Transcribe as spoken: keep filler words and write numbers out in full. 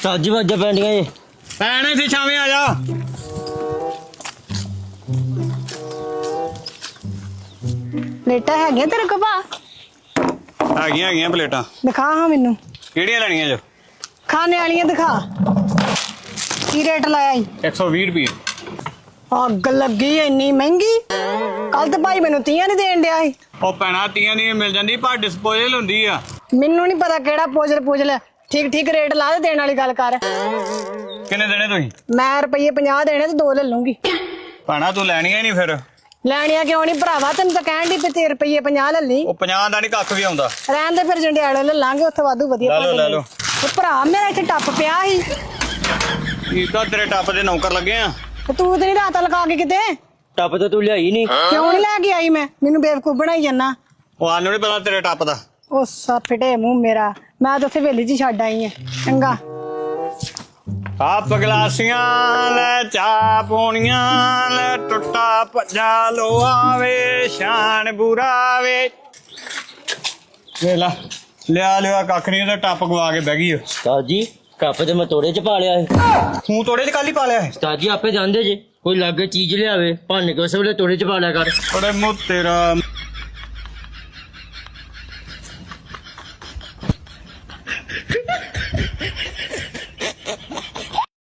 ਉਸਤਾਦ ਜੀ ਵਾਜਾਂ ਪੈਂਦੀਆਂ ਜੇ ਭੈਣ ਇੱਥੇ ਛਾਵੇਂ ਆ ਜਾ। ਪਲੇਟਾਂ ਹੈਗੀਆਂ ਤੇਰੇ ਕੋਲ ਭਾ? ਹੈਗੀਆਂ ਹੈਗੀਆਂ ਪਲੇਟਾਂ। ਦਿਖਾ ਹਾਂ ਮੈਨੂੰ। ਕਿਹੜੀਆਂ ਲੈਣੀਆਂ ਜੋ? ਖਾਣੇ ਵਾਲੀਆਂ ਦਿਖਾ। ਕੀ ਰੇਟ ਲਾਇਆ ਈ? ਇੱਕ ਸੌ ਵੀਹ ਰੁਪਏ। ਅੱਗ ਲੱਗੀ ਇੰਨੀ ਮਹਿੰਗੀ। ਕੱਲ ਤੇ ਭਾਈ ਮੈਨੂੰ ਤੀਆਂ ਨਹੀਂ ਦੇਣ ਡਿਆ ਸੀ। ਉਹ ਭੈਣਾ ਤੀਆਂ ਦੀ ਮਿਲ ਜਾਂਦੀ ਪਰ ਡਿਸਪੋਜ਼ਲ ਹੁੰਦੀ ਆ। ਮੈਨੂੰ ਨਹੀਂ ਪਤਾ ਕਿਹੜਾ ਪੋਜਲ ਪੋਜਲ। ਠੀਕ ਠੀਕ ਰੇਟ ਲਾ ਦੇ, ਦੇਣ ਵਾਲੀ ਗੱਲ ਕਰ। ਕਿੰਨੇ ਦੇਣੇ ਤੁਸੀਂ? ਮੈਂ ਰੁਪਈਏ ਪੰਜਾਹ ਦੇਣੇ ਤੇ ਦੋ ਲੈ ਲੂੰਗੀ। ਭੈਣਾ ਤੂੰ ਲੈਣੀਆਂ ਨਹੀਂ ਫਿਰ? ਲੈਣੀਆਂ ਕਿਉਂ ਨਹੀਂ ਭਰਾਵਾ, ਤੈਨੂੰ ਤਾਂ ਕਹਿਣ ਦੀ ਤੇ ਰੁਪਈਏ ਪੰਜਾਹ ਲੈ ਲਈ। ਉਹ ਪੰਜਾਹ ਦਾ ਨਹੀਂ ਕੱਖ ਵੀ ਆਉਂਦਾ। ਰਹਿਣ ਦੇ ਫਿਰ ਜੰਡਿਆਲੇ ਲੈ ਲਾਂਗੇ, ਉੱਥੇ ਵਾਧੂ ਵਧੀਆ। ਲੈ ਲਓ ਲੈ ਲਓ। ਉਹ ਭਰਾ ਮੇਰਾ ਇੱਥੇ ਟੱਪ ਪਿਆ ਸੀ। ਕੀ ਤਾਂ ਤੇਰੇ ਟੱਪ ਦੇ ਨੌਕਰ ਲੱਗੇ ਆ। ਤੇ ਤੂੰ ਤੇ ਨਹੀਂ ਰਾਤ ਲਗਾ ਕੇ ਕਿਤੇ? ਟੱਪ ਤਾਂ ਤੂੰ ਲਿਆਈ ਨਹੀਂ। ਕਿਉਂ ਨਹੀਂ ਲੈ ਕੇ ਆਈ? ਮੈਂ ਮੈਨੂੰ ਬੇਵਕੂਫ ਬਣਾਈ ਜਾਂਦਾ। ਉਹ ਆਨੂੰ ਨਹੀਂ ਪਤਾ ਤੇਰੇ ਟੱਪ ਦਾ। ਉਹ ਸਾ ਫਿਟੇ ਮੂੰਹ ਮੇਰਾ, ਮੈਂ ਤਾਂ ਉੱਥੇ ਵੇਲੀ 'ਚ ਛੱਡ ਆਈ ਆ। ਚੰਗਾ ਕੱਪ ਗਲਾਸੀਆਂ ਲੈ ਚਾਹ ਪੋਣੀਆਂ ਲੈ ਟੁੱਟਾ ਭੱਜਾ ਲੋਹਾ ਵੇ ਸ਼ਾਨ ਬੁਰਾ ਵੇ। ਵੇ ਲਾ ਲਿਆ ਲਿਆ ਕੱਖ ਨਹੀਂ, ਉਹਦਾ ਟੱਪ ਗਵਾ ਕੇ ਬਹਿ ਗਈ। ਉਸਤਾਦ ਜੀ ਕੱਪ ਤੇ ਮੈਂ ਤੋੜੇ ਚ ਪਾ ਲਿਆ ਹੈ। ਤੂੰ ਤੋੜੇ ਚ ਕੱਲ ਹੀ ਪਾ ਲਿਆ ਹੈ? ਉਸਤਾਦ ਜੀ ਆਪੇ ਜਾਂਦੇ ਜੇ ਕੋਈ ਲਾਗੇ ਚੀਜ਼ ਲਿਆਵੇ ਭੰਨ ਕੇ ਉਸ ਵੇਲੇ ਤੋੜੇ ਚ ਪਾ ਲਿਆ ਕਰ। ਬੜੇ ਮੂੰਹ ਤੇਰਾ।